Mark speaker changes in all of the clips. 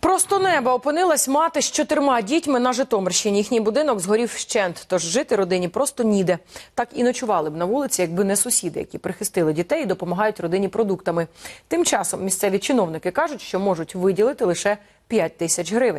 Speaker 1: Просто неба опинилась мати з 4 дітьми на Житомирщині. Їхній будинок згорів вщент, тож жити родині просто ніде. Так і ночували б на вулиці, якби не сусіди, які прихистили дітей і допомагають родині продуктами. Тим часом місцеві чиновники кажуть, що можуть виділити лише 5 тисяч гривень.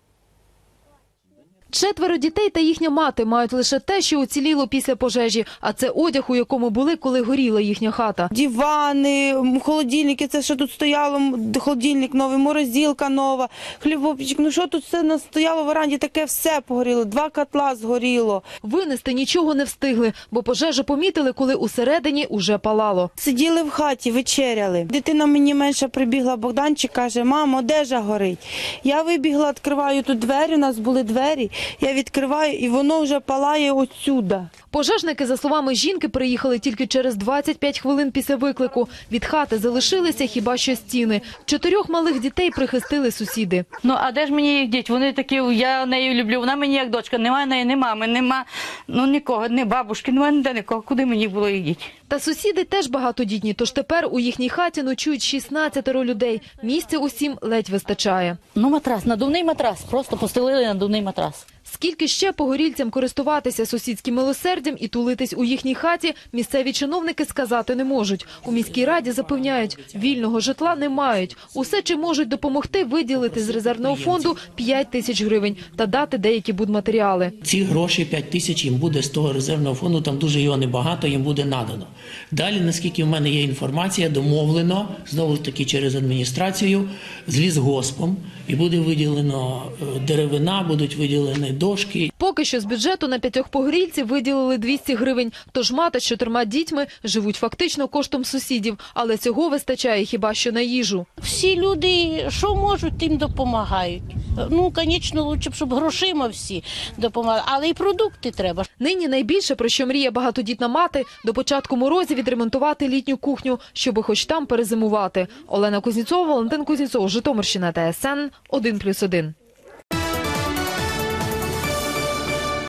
Speaker 2: 4 дітей та їхня мати мають лише те, що уціліло після пожежі, а це одяг, у якому були, коли горіла їхня хата.
Speaker 3: Дивани, холодильники, це що тут стояло, холодильник новий, морозилка нова, хлібопічок. Ну що тут все нас стояло в веранді, таке все погоріло, 2 котла згоріло.
Speaker 2: Винести нічого не встигли, бо пожежу помітили, коли усередині уже палало.
Speaker 3: Сиділи в хаті, вечеряли. Дитина мені менша прибігла, Богданчик, каже: "Мамо, одежа горить". Я вибігла, відкриваю тут двері, у нас були двері. Я відкриваю, і воно вже палає отсюда.
Speaker 2: Пожежники, за словами жінки, приїхали тільки через 25 хвилин після виклику. Від хати залишилися хіба що стіни. 4 малих дітей прихистили сусіди.
Speaker 4: Ну, а де ж мені їх діти? Вони такі, я нею люблю, вона мені як дочка. Немає неї, ні мами, нема, ну нікого, ні бабушки, немає ніде нікого. Куди мені було їх діти?
Speaker 2: Та сусіди теж багатодітні, тож тепер у їхній хаті ночують 16 людей. Місця усім ледь вистачає.
Speaker 4: Ну, матрас, надувний матрас, просто постелили надувний матрас.
Speaker 2: Скільки ще погорільцям користуватися сусідським милосердям і тулитись у їхній хаті, місцеві чиновники сказати не можуть. У міській раді запевняють, вільного житла не мають. Усе, чим можуть допомогти, виділити з резервного фонду 5 тисяч гривень та дати деякі будматеріали.
Speaker 5: Ці гроші, 5 тисяч, їм буде з того резервного фонду, там дуже його небагато, їм буде надано. Далі, наскільки в мене є інформація, домовлено, знову таки через адміністрацію, з лісгоспом, і буде виділено деревина, будуть виділені дошки.
Speaker 2: Поки що з бюджету на 5 погорільців виділили 200 гривень, тож мати з 4 дітьми живуть фактично коштом сусідів, але цього вистачає хіба що на їжу.
Speaker 6: Всі люди, що можуть, тим допомагають. Ну, звісно, краще б, щоб грошима всі допомагали, але і продукти треба.
Speaker 2: Нині найбільше, про що мріє багатодітна мати, до початку морозів відремонтувати літню кухню, щоби хоч там перезимувати. Олена Кузнєцова, Валентин Кузнєцов, Житомирщина, ТСН 1+1.